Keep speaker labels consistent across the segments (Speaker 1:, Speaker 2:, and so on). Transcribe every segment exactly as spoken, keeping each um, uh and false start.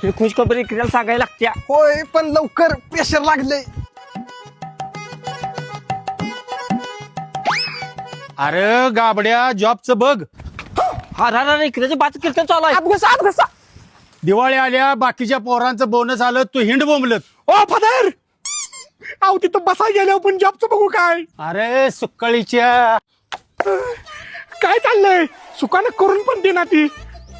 Speaker 1: हे खुशखबरी इकड्याला सांगायला लागत्या.
Speaker 2: होय पण लवकर प्रेशर लागले.
Speaker 3: अरे गाबड्या जॉबचं बघ.
Speaker 1: हा रा रा इकड्याचे पाच कीर्तन चालू आहे.
Speaker 2: आत घुसा आत घुसा.
Speaker 3: दिवाळी आल्या बाकीच्या पोरांचं बोनस आलं तू हिंड बोंबलत.
Speaker 2: ओ फादर अहो तिथं बसाय गेल्यावर पण जॉबचं बघू काय.
Speaker 3: अरे सुक्कळीच्या
Speaker 2: काय चाललंय सुकानं करून पण दे ना ती.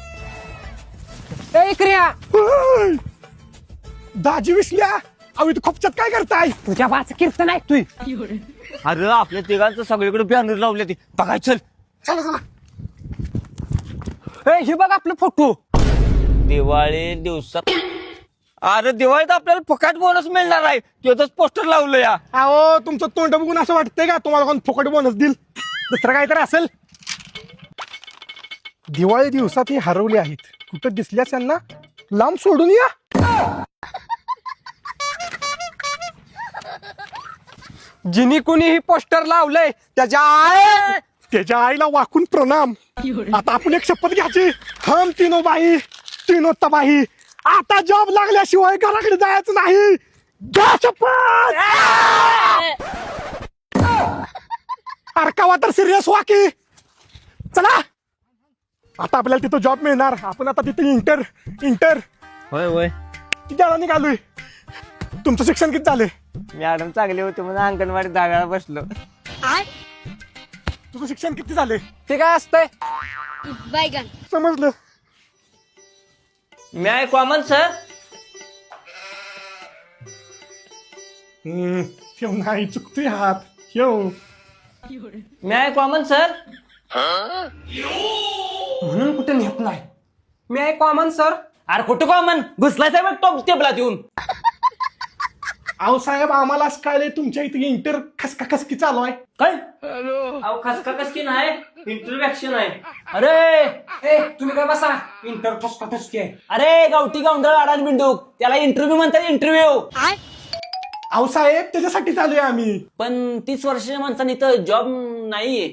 Speaker 1: ए इकड्या
Speaker 2: होय. दाजी विसल्या अहो इथं खोपच्यात काय करताय.
Speaker 1: तुझ्या पाच कीर्तन ऐकतोय. अरे आपल्या तिघांचं सगळीकडे बॅनर लावले ते बघाय चल.
Speaker 2: चला चला.
Speaker 1: ए हे बघ आपलं फोटो. दिवाळी दिवसात अरे दिवाळीत आपल्याला फुकट बोनस मिळणार आहे त्याच पोस्टर लावलं या.
Speaker 2: अहो तुमचं तोंड बघून असं वाटतंय का तुम्हाला कोण फुकट बोनस देईल. दुसरं काहीतरी असेल. दिवाळी दिवसात ही हरवली आहेत कुठं दिसल्यास यांना लांब सोडून या. जिनी कुणी ही पोस्टर लावलंय त्याच्या आई त्याच्या आईला वाकून प्रणाम. आता आपण एक शपथ घ्यायची. हम तीनो बाई तीनो तबाही. आता जॉब लागल्याशिवाय घराकडे जायचं नाही. घ्या शपथ. अरकावा तर सिरियस व्हा की. चला आता आपल्याला तिथं जॉब मिळणार. आपण आता तिथे इंटर इंटर
Speaker 1: होय होय
Speaker 2: किती वेळा निघालोय. तुमचं शिक्षण किती झालंय.
Speaker 1: मॅडम चांगले होते म्हणून अंगणवाडी दहाव्याला बसलो.
Speaker 2: तुझं शिक्षण किती झालंय.
Speaker 1: ते काय असतंय.
Speaker 4: बैगन
Speaker 2: समजलं.
Speaker 1: मी आहे कॉमन सर.
Speaker 2: हम्म, ठेव नाही चुकतोय हात ठेव.
Speaker 1: मी आहे कॉमन सर.
Speaker 2: म्हणून कुठे नेपलाय. मी आहे कॉमन सर.
Speaker 1: अरे कुठं कॉमन घुसलाय साहेब टॉप टेबलात येऊन.
Speaker 2: अहो साहेब आम्हाला असं कळलंय तुमच्या इथे इंटर खसका खसकी चालू आहे.
Speaker 1: काय अहो खसका खसकी नाही इंटरव्हॅक्शन आहे. अरे
Speaker 2: तुम्ही काय बसा इंटर खसका खसकी आहे.
Speaker 1: अरे गावठी गावंडळ अडाण बिंडूक त्याला इंटरव्ह्यू म्हणतात इंटरव्ह्यू.
Speaker 2: अहो साहेब त्याच्यासाठी चालूय आम्ही.
Speaker 1: पण तीस वर्षाच्या माणसाने इथं जॉब नाहीये.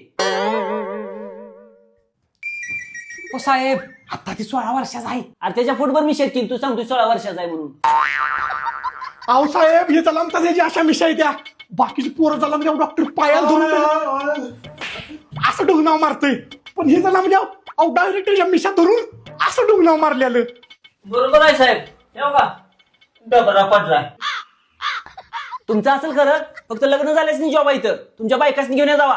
Speaker 2: हो साहेब आता ती सोळा वर्षाचा आहे.
Speaker 1: अरे त्याच्या फुटभर मी शेतकी तू सांगतो सोळा वर्षाचा आहे म्हणून.
Speaker 2: अहो साहेब हे चला त्याची अशा मिशाई द्या. बाकीची पोरं झाला म्हणजे डॉक्टर पायाला धरून असं डुगनाव मारतोय. पण हे झाला म्हणजे अहो डायरेक्ट त्याच्या मिशा धरून असं डुगनाव मारलेलं.
Speaker 1: बरोबर आहे साहेब. येऊ का डबरा पडलाय. तुमचं असेल खरं फक्त लग्न झालेच नाही जॉब आहे इथं. तुमच्या बायकासनी घेऊन या जावा.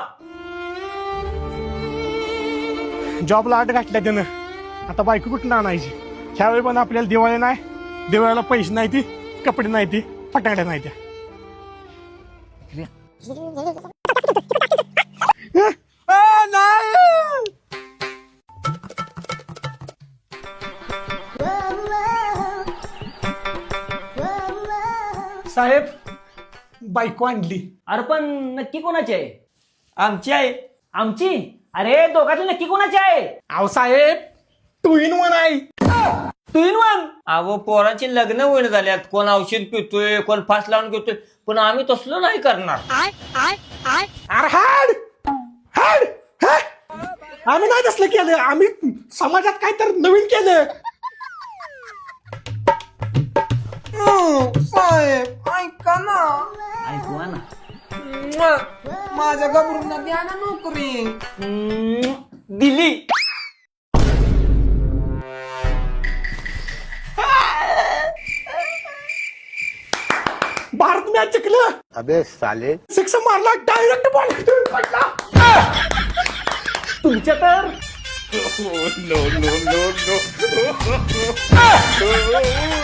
Speaker 2: जॉबला आठ घातल्या त्यानं. आता बायको कुठून आणायची. ह्यावेळी पण आपल्याला दिवाळी नाही. दिवाळीला पैसे नाही ती कपडे नाही ती फटाकड्या नाही त्या. साहेब बायको आणली.
Speaker 1: अरे पण नक्की कोणाची आहे. आमची आहे. आमची अरे दोघांची नक्की कोणाची आहे.
Speaker 2: अहो साहेब टू इन वन आहे.
Speaker 1: Two in one. अहो पोरांची लग्न होईन झाल्यात. कोण औषध पितोय कोण फास लावून घेतोय. पण आम्ही तसलं नाही करणार.
Speaker 2: अरे हाड हाड हा? आम्ही नाही तसलं केलं. आम्ही समाजात काय तर नवीन केलं.
Speaker 5: साहेब ऐका ना.
Speaker 1: ऐकवा ना.
Speaker 5: माझ्या गबरूंना द्या ना नोकरी.
Speaker 1: हम्म, दिली.
Speaker 2: भारत मॅच जिंकलं.
Speaker 6: अबे साले
Speaker 2: सिक्स मारला डायरेक्ट बॉल पडला. तुमच्या तर
Speaker 6: नो नो नो नो